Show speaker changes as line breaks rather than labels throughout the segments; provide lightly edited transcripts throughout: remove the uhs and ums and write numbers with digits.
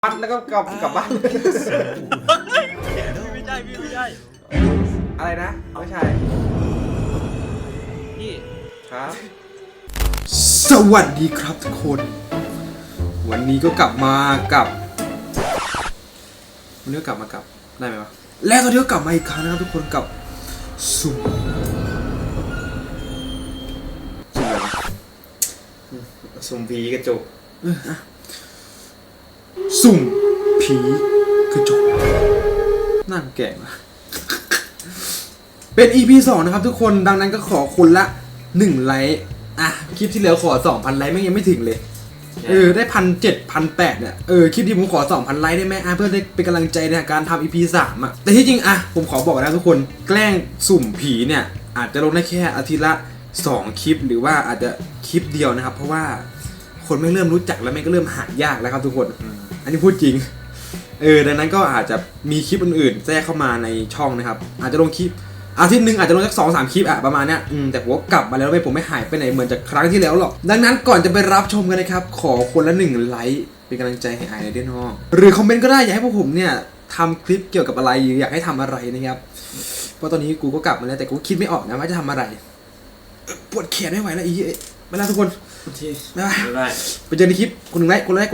บ้านแล้วก็กลับบ้าน
ไม่ใช่พี่ไม่ใช่
อะไรนะไม่ใช่
พี่
ครับสวัสดีครับทุกคนวันนี้ก็กลับมากับได้ไหมวะและตอนนี้ก็กลับมาอีกครั้งนะครับทุกคนกับสุ่มอะไรวะสุ่มผีกระจกสุ่มผีกระจกนั่งแก่มาเป็น EP 2นะครับทุกคนดังนั้นก็ขอคนละ1ไลค์คลิปที่แล้วขอ 2,000 ไลค์ยังไม่ถึงเลยได้1,700-1,800เนี่ยคลิปที่ผมขอ 2,000 ไลค์ได้ไหมเพื่อได้เป็นกำลังใจในการทำ EP 3แต่ที่จริงผมขอบอกนะทุกคนแกล้งสุ่มผีเนี่ยอาจจะลงได้แค่อาทิตย์ละ2คลิปหรือว่าอาจจะคลิปเดียวนะครับเพราะว่าคนไม่เริ่มรู้จักแล้วไม่ก็เริ่มหายากแล้วครับทุกคนอันนี้พูดจริงดังนั้นก็อาจจะมีคลิปอื่นๆแทรกเข้ามาในช่องนะครับอาจจะลงคลิปอาทิตย์หนึ่งอาจจะลงสัก 2-3 คลิปประมาณเนี้ยแต่ผมก็กลับมาแล้วผมไม่หายไปไหนเหมือนจากครั้งที่แล้วหรอกดังนั้นก่อนจะไปรับชมกันนะครับขอคนละ1ไลค์เป็นกำลังใจให้ไอในด้วยน้องหรือคอมเมนต์ก็ได้อยากให้พวกผมเนี่ยทำคลิปเกี่ยวกับอะไรอยากให้ทำอะไรนะครับเพราะตอนนี้กูก็กลับมาแล้วแต่กูคิดไม่ออกนะว่าจะทำอะไรปวดแขนไม่ไหวแล้วไม่แล้วทุกคนไปเจอในคลิปคนหนึ่งไลค์กดไลค์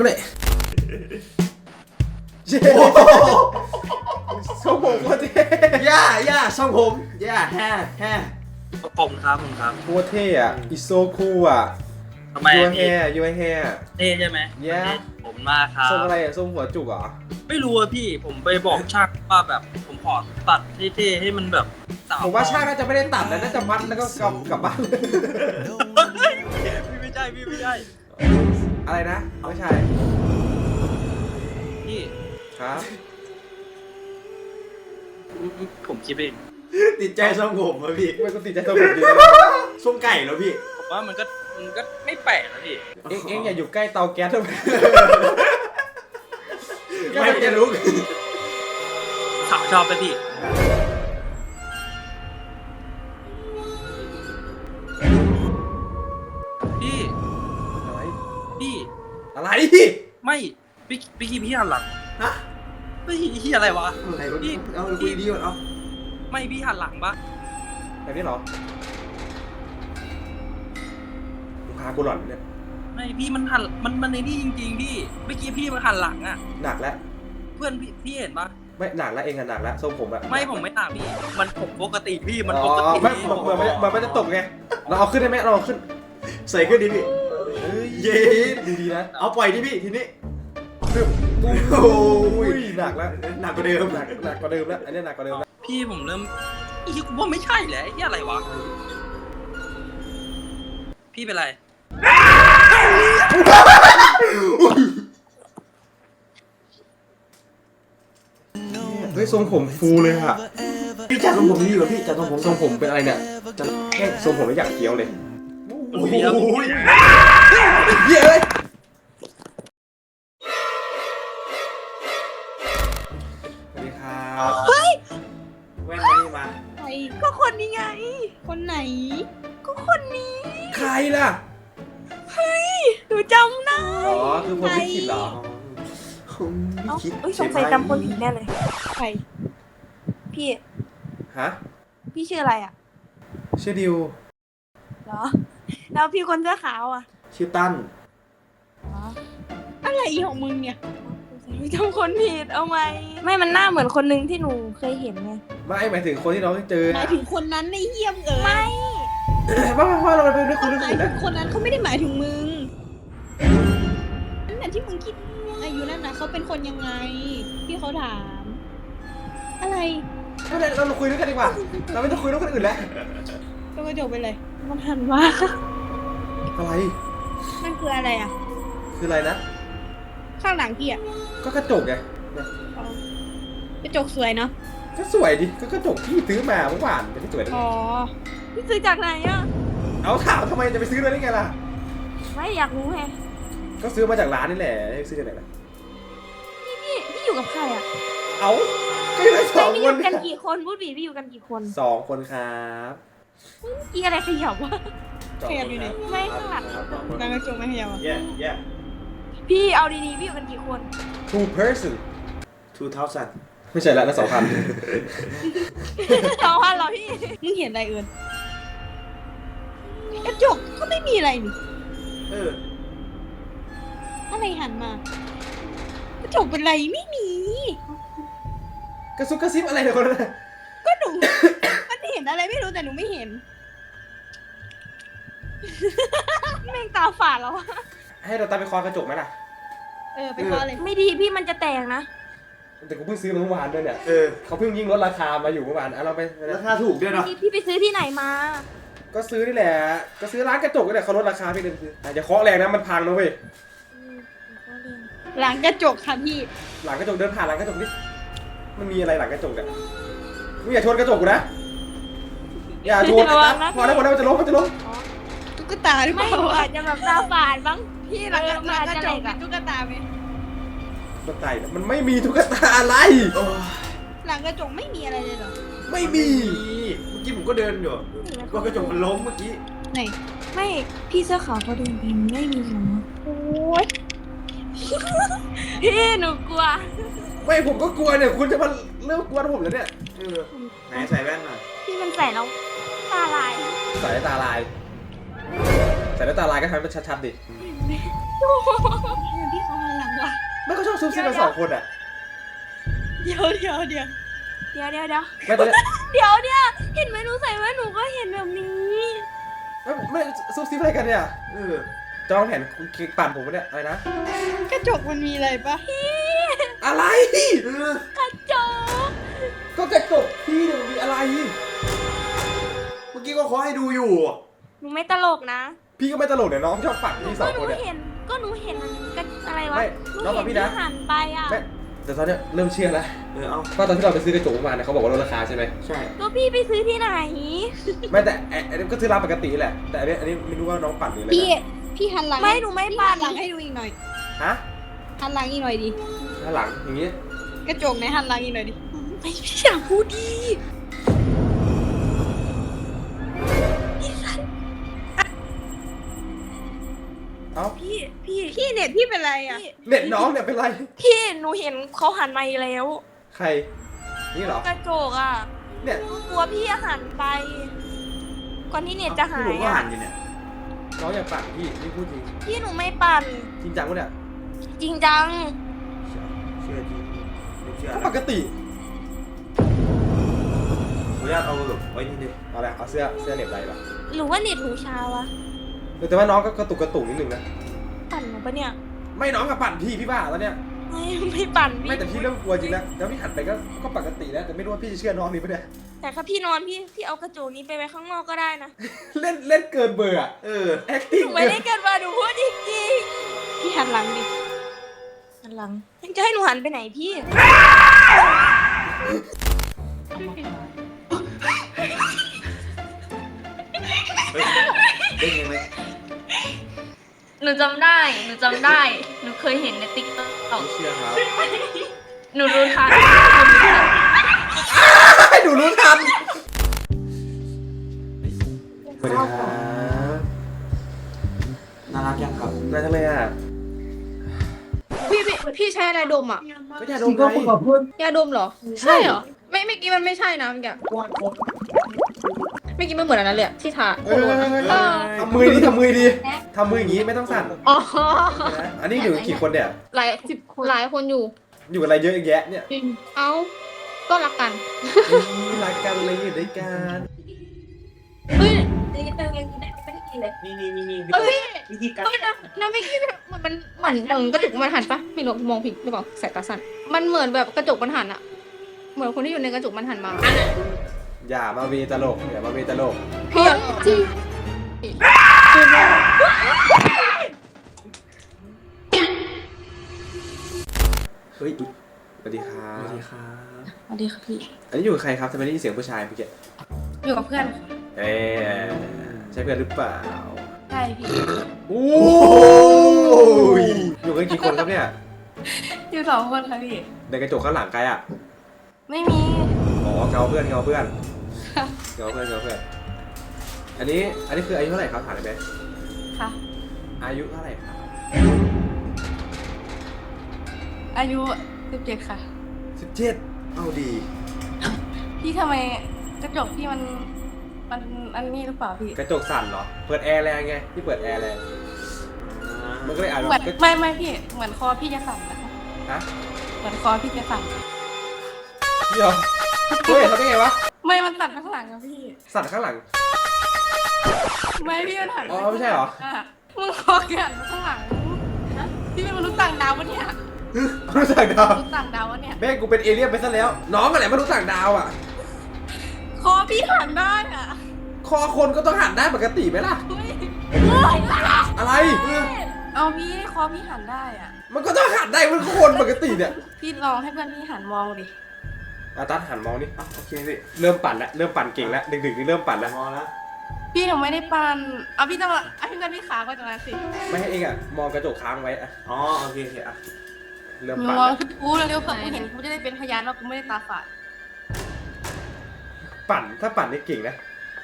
ช่องผมโคตรเท่ย่าช่องผมย่าแฮ่
ผมครับ
โคตรเท่อิโซคู
ทำไมพี่
ยูไอแฮ่
เท่ใช่ไหมผมมาครับ
ทรงอะไรทรงหัวจุกเหรอ
ไม่รู้อะพี่ผมไปบอกช่างว่าแบบผมขอตัดเท่ๆให้มันแบบ
ผมว่าช่างน่าจะไม่ได้ตัดนะน่าจะมัดแล้วก็กลับบ้าน
พี่ไม่ใช่
อะไรนะไม่ใช่
พี่
ครับ
ผมคิดเอง
ติดใจทรงผมอะพี่
ไม่ก็ติดใจทรงผมดี
ทรงไก่แล้วพี่
ผมว่ามันก็ไม่แปลกนะพี่
เอ็งอย่าอยู่ใกล้เตาแก๊สทำไม
ไม่จะรู้
สาวชอบไปพี่
อะไร
ไม่พี่หันหลัง
ฮะ
พี่อะไรวะ
พี่เอาคุยดีก่อนเอา
ไม่พี่หันหลังปะ
แบบนี้เหรอลูกค้ากูหล่อนเนี่ย
ไม่พี่มันหันมันในนี่จริงๆพี่เมื่อกี้พี่มันหันหลัง
หนักแล้ว
เพื่อนพี่เห็นปะ
ไม่หนักแล้วเองหนักแล้วทรงผม
ไม่ผมไม่หนักพี่มันผมปกติพี่มันปกติ
ไม่เหมือนมันจะตกไงเราเอาขึ้นได้ไหมเราเอาขึ้น
ใส่ขึ้นดิพี่เย็น
ดีนะ
เอาปล่อยดิพี่ทีนี้
โอ้ยหนักแล้ว
หนักกว่าเดิม
หนักกว่าเดิมแล้วอันนี้หนักกว่าเดิมแล้ว
พี่ผมเริ่มกูว่าไม่ใช่แหละไอ้อะไรวะพี่เป็นไร
เฮ้ยทรงผมฟูเลย
พี่จัดทรงผมดีกว่าพี่จัดทรงผม
เป็นอะไรเนี่ยจัดแค่ทรงผมไม่อยากเคี้ยวเลย
โอ้ย
เย้สวัสดีครับ
เฮ้ย
แว่นมานี่มา
ใครก็คนนี้ไงคนไหนก็คนนี้
ใครล่ะ
เฮ้ยหนูจำได้
คือคนไม่คิดเหรอ
สงสัยจำคนผิดแน่เลยใครพี่พี่ชื่ออะไร
ชื่อดิว
เหรอแล้วพี่คนเสื้อขาว
ชื่อตั้น
อะไรของมึงเนี่ยจำคนผิดเอาไหมไม่มันหน้าเหมือนคนนึงที่หนูเคยเห็นไง
ไม่หมายถึงคนที่น้องเจอ
หมายถึงคนนั้นในเยี่ยมไม่
ว่าเราไปด้วยคนนึง
หมายถึงคนนั้นเขาไม่ได้หมายถึงมึงนั่นแหละที่มึงคิดอายุนั่นนะเขาเป็นคนยังไงพี่เขาถามอะไร
เราคุยด้วยกันดีกว่าเราไม่ต้องคุยด้วยคนอื่นแล้ว
ก็จบไปเลยมันหันว่า
อะไร
มันคืออะไร
คืออะไรนะ
ข้างหลังพี่
ก็กระจกไง
กระจกสวยเนาะ
ก็สวยดิก็กระจกที่ซื้อมาเมื่อวานเป็นที่สวย
อ๋อพี่ซื้อจากไหน
เอาถามทำไมจะไปซื้อเลยได้ไงล่ะ
ไม่อยากรู้ไง
ก็ซื้อมาจากร้านนี่แหละซื้อจากไหนล่ะ
พี่อยู่กับใคร
เอาก็อยู่กัน2 คน
อยู่กันกี่คนพูดบีพี่อยู่กันกี่คน
2 คนครับ
อีอะไรขยับวะขยับอยู่ไหนไม่ค่ะนางกระจกไม่ขยับ
แย่
พี่เอาดีๆพี่อยู่กันกี่คน
two person
2000
ไม่ใช่ละนะ2,000
2,000เหรอพี่
มึงเห็นอะไรเอิญกระจกก็ไม่มีอะไรนี่
เออ
อะไรหันมากระจกเป็นไรไม่มี
กระซุกกระซิบอะไรเนี่ยคนนั้นน่ะ
ก็หนู มันเห็นอะไรไม่รู้แต่หนูไม่เห็น
แม่งตาฝาดแล้วอะ
ให้เราตามไปคอกระจกไหมล่ะ
ไปขอเลย
ไม่ดีพี่มันจะแตกนะ
แต่กูเพิ่งซื้อมาเมื่อวานด้วยเนี่ย
เออ
เขาเพิ่งยิ่งลดราคามาอยู่เมื่อวานเราไป
ราคาถูกด้วยเนาะ
พี่ไปซื้อที่ไหนมา
ก็ซื้อนี่แหละก็ซื้อร้านกระจกนี่แหละเขาลดราคาพี่เลยซื้ออย่าเคาะแรงนะมันพังนะเว้ย
หลังกระจกค่ะพี่
หลังกระจกเดินผ่านหลังกระจกนี่มันมีอะไรหลังกระจกเนี่ยมึงอย่าชนกระจกกูนะอย่าชน
ระวังนะ
พอแล้วมันจะล้ม
ตุ๊กตาหรือเป
ไม่
ล่า
อาจจะแบบตาฝาดบ้าง
พี่หลังกระ
มันอาจจะ
จ
เหล็
ก
ก
เป็
อะ
นตุ๊กตาไหม
ตุ๊กตาเนี่ยมันไม่มีตุ๊กตาอะไร
หลังกระจกไม่มีอะไรเลยเหรอ
ไม่มี
เมื่อกี้ผมก็เดินอยู่ว่ากระจกมันล้มเมื่อกี้
ไหน
ไม่พี่เสื้อขาวเขาเดินไปไม่มีหรอ
โอ้ย
พี่หนูกลัว
ไม่ผมก็กลัวเนี่ยคุณจะมาเริ่มกลัวผมแล้วเนี่ย
เออ ไหนใส่แว่นหน่อย
พี่มันใส่แล้วตาลาย
ใส่ตาลายใส่ตาลายก็ทำให้มันชัดๆดิ
พี่เขาหันหลังว่ะ
ไม่ก็ชอบซุบซิบกันสองคนอ่ะ
เดี๋ยว
เดี๋ยว
ไม่ตอนนี้
เดี๋ยวเห็นไหมหนูใส่แว่นหนูก็เห็นแบบนี้
ไม่ซุบซิบอะไรกันเนี่ย
เออ
จองแผนคุณปั่นผมปะเนี่ยอะไรนะ
กระจกมันมีอะไรปะ
อะไร
เออก
ระจก
ก็กระจกพี่เนี่ยมันมีอะไร
เมื่อกี้ก็ขอให้ดูอยู่
หนูไม่ตลกนะ
พี่ก็ไม่ตลกเนี่ยน้องชอบปั่นพี่สองคนเนี่ย
ก็หนูเห็นกันอะไรวะ
ไม่
หนู
น้อง
เห็
กับ
น
พี่
ที่
นะ
หันไปอ่ะ
ไม่แต่ตอนเนี้ยเริ่มเชื่อแล้ว
เออ เอา
ก็ตอนที่เราไปซื้อกระจกมาเนี่ยเขาบอกว่าลดราคาใช่ไหม
ใช่
ก็พี่ไปซื้อที่ไหน
ไม่แต่อันนี้ก็ซื้อร้านปกติแหละแต่อันนี้ไม่รู้ว่าน้องปั่นหรืออะไร
พี่
นะ
พี่หันหลัง
ไม่หนูไม่
พี่
ปั่
หั
น
นหลังให้ดูอีกหน่อย
ฮะ
หันหลังอีกหน่อยดิ
ด้านหลังอย่างงี้
กระจกไหนหันหลังอีกหน่อยดิ
ไม่พี่อยากพูดดี
เอ้า
พี่
พี่เน็ตพี่เป็นไรอ่ะ
เน็ตน้องเนี่ยเป็นไร
พี่หนูเห็นเขาหันมาอีกแล้ว
ใครนี่เหรอก
ระจกอ่ะ
เนี่ย
หนูกลัวพี่หันไปก่อนที่เน็ตจะหา
ผ
ย
มก็
อ่ะ
หันอยู่เนี่ย
น้องอย่าปั่นพี่นี่พูดจริง
พี่หนูไม่ปั่น
จริงจังวะเนี่ย
จริงจัง
เชื่อจริงไม่เชื่อ
ก็
นะ
ปกติ
ขออนุญาตเอาแบบไว้นี่ดิ
เอาละเอาเสื้อเหน็บไรปะ
หรือว่าเน็ตหนูช้าวะ
แต่ว่าน้องก็กระตุกนิดนึงนะ
ปั่นหนูปะเนี่ย
ไม่น้องกับปั่นพี่บ้าแล้วเนี่ย
ไม่ปั่นพี่
ไม่แต่พี่เริ่มกลัวจริงแล้วแล้วพี่หันไปก็ปกติแล้วแต่ไม่รู้ว่าพี่จะเชื่อน้องนี่ปะเนี่ย
แต่ถ้าพี่นอนพี่เอากระจกนี้ไปไว้ข้างนอกก็ได้นะ
เล่นเกินเบอร์อะ
เออ
ห
acting
นูไม่ได้เกินมาหนูพูดจริง
พี่หันหลังดิ
ๆหันหลังจะให้หนูหันไปไหนพี่
เฮ้ยเด้งยังไง
หนูจำได้ หนูเคยเห็นในติ๊กต็อก
ไม่เชื่อครับ
หนูรู้ทัน
ให้หนูรู้ทันสวัสดีครับ
น่ารักยังครับ
น่าจังเลยอ่ะ
พี่ใช้อะไรดมอ่ะ
ก็อย่าดมไง
ยาดมเหรอ ใช่เหรอ ไม่เมื่อกี้มันไม่ใช่นะเมื่อกี้เมื่อกี้มันเหมือนอันนั้นเลยอะที่ทา
เออทำมือดีทำมืออย่างนี้ไม่ต้องสั่น
อ๋อ
อันนี้อยู่กี่คนเนี่ย
หลายคนอยู่
อยู่อะไรเยอะแยะเนี่ย
เอ้า ก็รักกัน
รักกันเลยอยู่ด้วยกัน
เฮ้ย
ไม่ได้กินเลย
นี่
เฮ้ย
วิธีการ
น้ำไม่คิดมันเหมือนกระจกมันหันปะไม่รู้มองผิดหรือเปล่าสายตาสั้นมันเหมือนแบบกระจกมันหันอะเหมือนคนที่อยู่ในกระจกมันหันมา
อย่ามาเวตลกอย่ามาเวตลก
พี่จริง
เฮ้ย
สวัสดีครั
สวัส
บ
ดีครับ
สวัสดีค่ะพี่
อันนี้อยู่กับใครครับทำไมได้ยินเสียงผู้ชายเมื่อกี้
อยู่กับเพื่อน
เอ๊ะใช่เพื่อนหรือเปล่า
ใช่พี่
โอ้ยอยู่กันกี่คนครับเนี่ย
อยู่2 คนค่ะพี่
ในกระจกข้างหลังใครอ่ะ
ไม่มี
อ๋อเงาเพื่อนเงาเพื่อนอันนี้คืออายุเท่าไหร่ครับถามได้ไหม
ค่ะ
อายุเท่าไหร่ครับ
อายุ17ค่ะ
17เอาดี
พี่ทำไมกระจกพี่มันอันนี้หรือเปล่าพี่
กระจกสั่นเหรอ เปิดแอร์แรงไงพี่เปิดแอร์แรงมันก็เลยอาจจะ
เหมือนไม่พี่เหมือนคอพี่จะสั่นนะ
ฮะ
เหมือนคอพี่จะสั่น
เดี๋ยวเฮ้ยทำได้ไงวะ
ไม่มันสั่นข้างหลังอะพี่
สั่นข้างหลัง
ไม่พี่มันหัน
อ๋อไม่ใช่เหรอ
มึงคอแกหันมาข้างหลังพี่เป็นมนุษย์ต่างดาววะเนี่ย
มนุษย์ต่างดาว
มนุษย์ต่างดาววะเนี่ย
แม่งกูเป็นเอเลี่ยนไปซะแล้ว น้องอะไรมนุษย์ต่างดาวอ่ะ
คอพี่หันได้อะ
คอคนก็ต้องหันได้ปกติไหมล่ะ
เฮ้ย
อะไร
เอาพี่คอพี่หันได้อะ
มันก็ต้องหันได้มันก็คนปกติเนี่ย
พี่ลองให้เพื่อนพี่หันมองดิ
อาตัดหันมองนี่โอเคสิเริ่มปั่นแล้วเริ่มปั่นเก่งแล้วดึกๆนี่เริ่มปั่นแล้วมองแล้ว
พี่หนูไม่ได้ปันเอาพี่ต้องเอาพี่เพื่อนพี่ขาก่อนตรงนั้นสิ
ไม่ให้เองอ่ะมองกระจกค้างไว้อ่ะอ๋อโอเคอ่ะเริ่ม
หนู
ปั่น
มอง
แล้ว
คือกูเร็วๆเผื่อกูเห็นกูจะได้เป็นพยานว่ากูไม่ได้ตาฝาด
ปั่นถ้าปั่นนี่เก่งนะ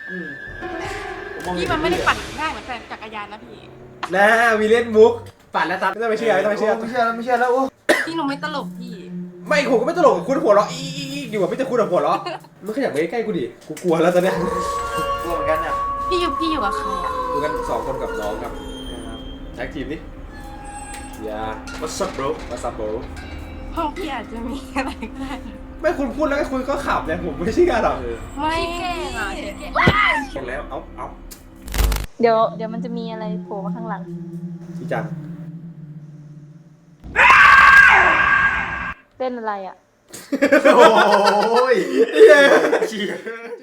พี่มันไม่ได้ปั่นง่ายเหมือนแฟนจักรยานนะพี่
นะมีเล่นมุกปั่นแล้วตัดไม่ต้องไปเชื่อไม่ต้องไปเชื่อ
ไม่เชื่อแล้วไม่เชื่อแล้วโอ้
พี่หนูไม่ตลกพี่
ไม่ผมก็ไม่ตลกกับคุณหัวเราะอีอยู่กับพี่จะคุณหัวเราะมันขยับไปใกล้ๆกูดิกูกลัวแล้วตอนเนี้ย
กลัวเหมือนกันเนี่ย
พี่อยู่กับใครอ่ะ
ดูกัน2 คนกับน้องครับแท็กทีมนี่อย่า
What's up bro
What's up bro
ห้องพี่อาจจะมีอะไรก็ได้
ไม่คุณพูดแล้วคุณก็ขับเนี่ยผมไม่เชื่อหรอก
ไม่
เก่งอ่ะเก่ง
เห็นแล้วเอา
เดี๋ยวมันจะมีอะไรโผล่มาข้างหลัง
พี่จัง
เต้นอะไรอ่ะ
โอ้ย
เย้